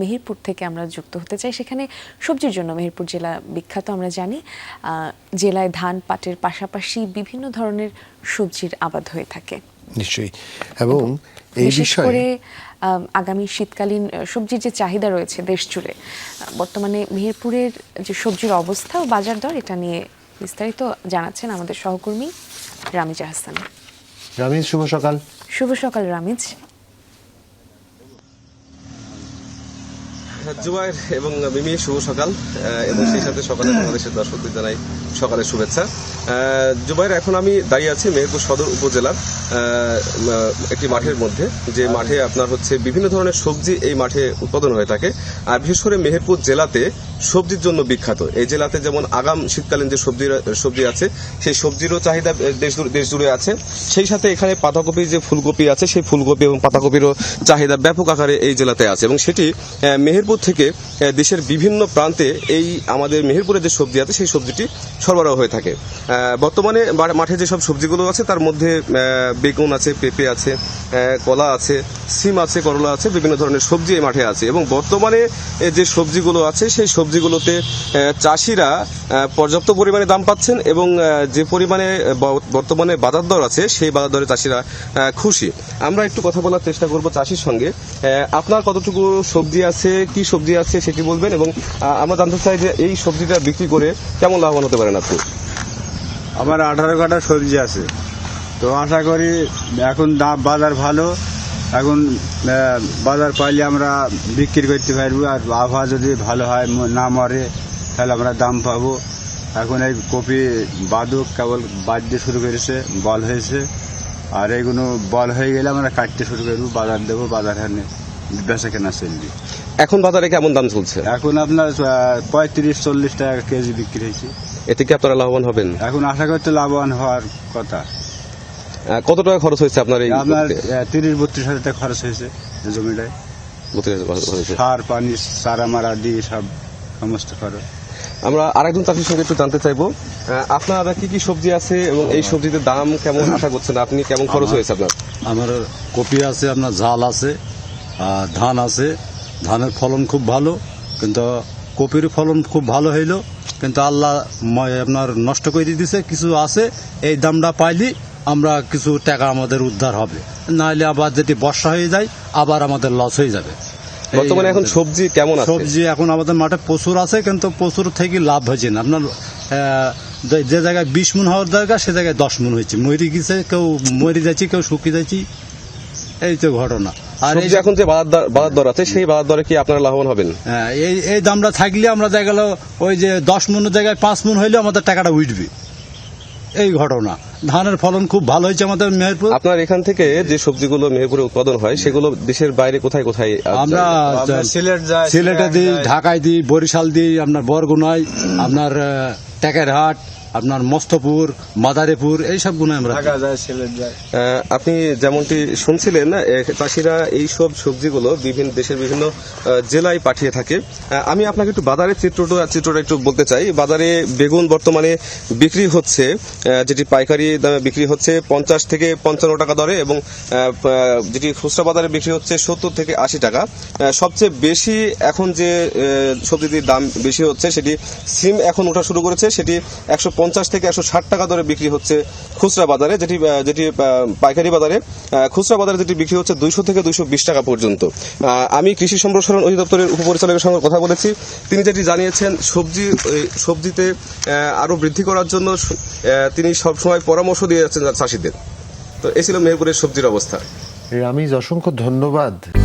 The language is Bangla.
মেহেরপুর থেকে আমরা যুক্ত হতে চাই। সেখানে সবজির জন্য মেহেরপুর জেলা বিখ্যাত আমরা জানি। জেলায় ধান পাটের পাশাপাশি বিভিন্ন ধরনের সবজির আবাদ হয়ে থাকে। নিশ্চয়ই, এবং এই বিষয়ে আগামী শীতকালীন সবজির যে চাহিদা রয়েছে দেশ জুড়ে, বর্তমানে মেহেরপুরের যে সবজির অবস্থা ও বাজার দর, এটা নিয়ে বিস্তারিত জানাচ্ছেন আমাদের সহকর্মী রামিজ আহসান। রামিজ, শুভ সকাল। শুভ সকাল রামিজ। জুবাইর এবং মিমি, শুভ সকাল, এবং সেই সাথে সকালে বাংলাদেশের দর্শকদের জানাই সকালের শুভেচ্ছা। জুবাইর, এখন আমি দাঁড়িয়ে আছি মেহেরপুর সদর উপজেলার একটি মাঠের মধ্যে, যে মাঠে আপনার হচ্ছে বিভিন্ন ধরনের সবজি এই মাঠে উৎপাদন হয়ে থাকে। আর বিশেষ করে মেহেরপুর জেলাতে সবজির জন্য বিখ্যাত। এই জেলাতে যেমন আগাম শীতকালীন যে সবজি আছে, সেই সবজিরও চাহিদা দেশ জুড়ে আছে। সেই সাথে এখানে পাতাকপি, যে ফুলকপি আছে, সেই ফুলকপি এবং পাতাকপিরও চাহিদা ব্যাপক আকারে এই জেলাতে আছে, এবং সেটি মেহেরপুর থেকে দেশের বিভিন্ন প্রান্তে এই আমাদের মেহেরপুরের যে সবজি আছে সেই সবজিটি সরবরাহ হয়ে থাকে। বর্তমানে মাঠে যেসব সবজিগুলো আছে তার মধ্যে বেগুন আছে, পেঁপে আছে, কলা আছে, সিম আছে, করলা আছে, বিভিন্ন ধরনের সবজি এই মাঠে আছে। এবং বর্তমানে যে সবজিগুলো আছে সেই সবজিগুলোতে চাষিরা পর্যাপ্ত পরিমাণে দাম পাচ্ছেন, এবং যে পরিমাণে বর্তমানে বাজার দর আছে সেই বাজার দরে চাষিরা খুশি। আমরা একটু কথা বলার চেষ্টা করব চাষির সঙ্গে। আপনার কতটুকু সবজি আছে, কি সবজি আছে সেটি বলবেন, এবং আমরা জানতে চাই যে এই সবজিটা বিক্রি করে কেমন লাভবান হতে পারেন আপনি। আমার 18 কাঠা সবজি আছে, তো আশা করি এখন দাম বাজার ভালো, এখন বাজার পাইলে আমরা বিক্রি করতে পারবো। আর আবহাওয়া যদি ভালো হয়, না মরে, তাহলে আমরা দাম পাবো। এখন এই কপি বাদুক কেবল বাঁধতে শুরু করেছে, বল হয়েছে, আর এইগুলো বল হয়ে গেলে আমরা কাটতে শুরু করবো, বাজার দেবো, বাজার হানে বেচা কেনা চলবে। এখন বাজারে কেমন দাম চলছে? এখন আপনার 35-40 টাকা কেজি বিক্রি হয়েছে। এতে কি আপনারা লাভবান হবেন? এখন আশা করতে লাভবান হওয়ার কথা। কত টাকা খরচ হয়েছে আপনার? আপনার 30-32 হাজার টাকা খরচ হয়েছে জমিটায়। সার পানি চারা মারা দিয়ে সব সমস্ত খরচ। আমরা আরেকজন চাষির সঙ্গে একটু জানতে চাইবো, আপনার কি কি সবজি আছে এবং এই সবজিতে দাম কেমন আশা করছেন আপনি, কেমন খরচ হয়েছে আপনার? আমার কপি আছে, আপনার ঝাল আছে, ধান আছে। ধানের ফলন খুব ভালো, কিন্তু কপির ফলন খুব ভালো হইল, কিন্তু আল্লাহ আপনার নষ্ট করে দিয়েছে। কিছু আছে, এই দামটা পাইলে আমরা কিছু টাকা আমাদের উদ্ধার হবে, নাহলে আবার যেটি বর্ষা হয়ে যায় আবার আমাদের লস হয়ে যাবে। বর্তমানে এখন সবজি কেমন আছে? সবজি এখন আমাদের মাঠে প্রচুর আছে, কিন্তু প্রচুর থেকে লাভ হয়েছে না। আপনার যে জায়গায় 20 মণ হওয়ার দরকার সে জায়গায় 10 মণ হয়েছে। মরি গেছে, কেউ মরে যাচ্ছি, কেউ শুকিয়ে যাচ্ছি, এই তো ঘটনা। আর এই যে এখন যে বাজার দর আছে সেই বাজার দরে কি আপনারা লাভবান হবেন? এই দামটা থাকলে আমরা দেখা গেল ওই যে 10 মণের জায়গায় 5 মণ হইলে আমাদের টাকাটা উঠবে, এই ঘটনা। ধানের ফলন খুব ভালো হয়েছে আমাদের মেহেরপুর। আপনার এখান থেকে যে সবজিগুলো মেহেরপুরে উৎপাদন হয় সেগুলো দেশের বাইরে কোথায় কোথায়? আমরা সিলেটে দিই, ঢাকায় দিই, বরিশাল দিই, আপনার বরগুনায়, আপনার টেকেরহাট, আপনার মস্তপুর, মাদারীপুর, এইসব গুণে আমরা আপনি যেমনটি শুনছিলেন, চাষিরা এই সব সবজিগুলো দেশের বিভিন্ন জেলায় পাঠিয়ে থাকে। আমি আপনাকে একটু বাজারের চিত্রটা একটু বলতে চাই। বাজারে বেগুন বর্তমানে বিক্রি হচ্ছে, যেটি পাইকারি দামে বিক্রি হচ্ছে 50 থেকে 55 টাকা দরে, এবং যেটি খুচরা বাজারে বিক্রি হচ্ছে 70 থেকে 80 টাকা। সবচেয়ে বেশি এখন যে সবজিটির দাম বেশি হচ্ছে সেটি সিম এখন ওঠা শুরু করেছে, সেটি 150 থেকে 160 টাকা দরে বিক্রি হচ্ছে খুচরা বাজারে, যেটি পাইকারি বাজারে, খুচরা বাজারে যেটি বিক্রি হচ্ছে 200 থেকে 220 টাকা পর্যন্ত। আমি কৃষি সম্প্রসারণ অধিদপ্তরের উপপরিচালকের সঙ্গে কথা বলেছি। তিনি যেটি জানিয়েছেন, সবজিতে আরো বৃদ্ধি করার জন্য তিনি সবসময় পরামর্শ দিয়ে যাচ্ছেন চাষিদের। তো এই ছিল মেহেরপুরের সবজির অবস্থা। রামিজ, অসংখ্য ধন্যবাদ।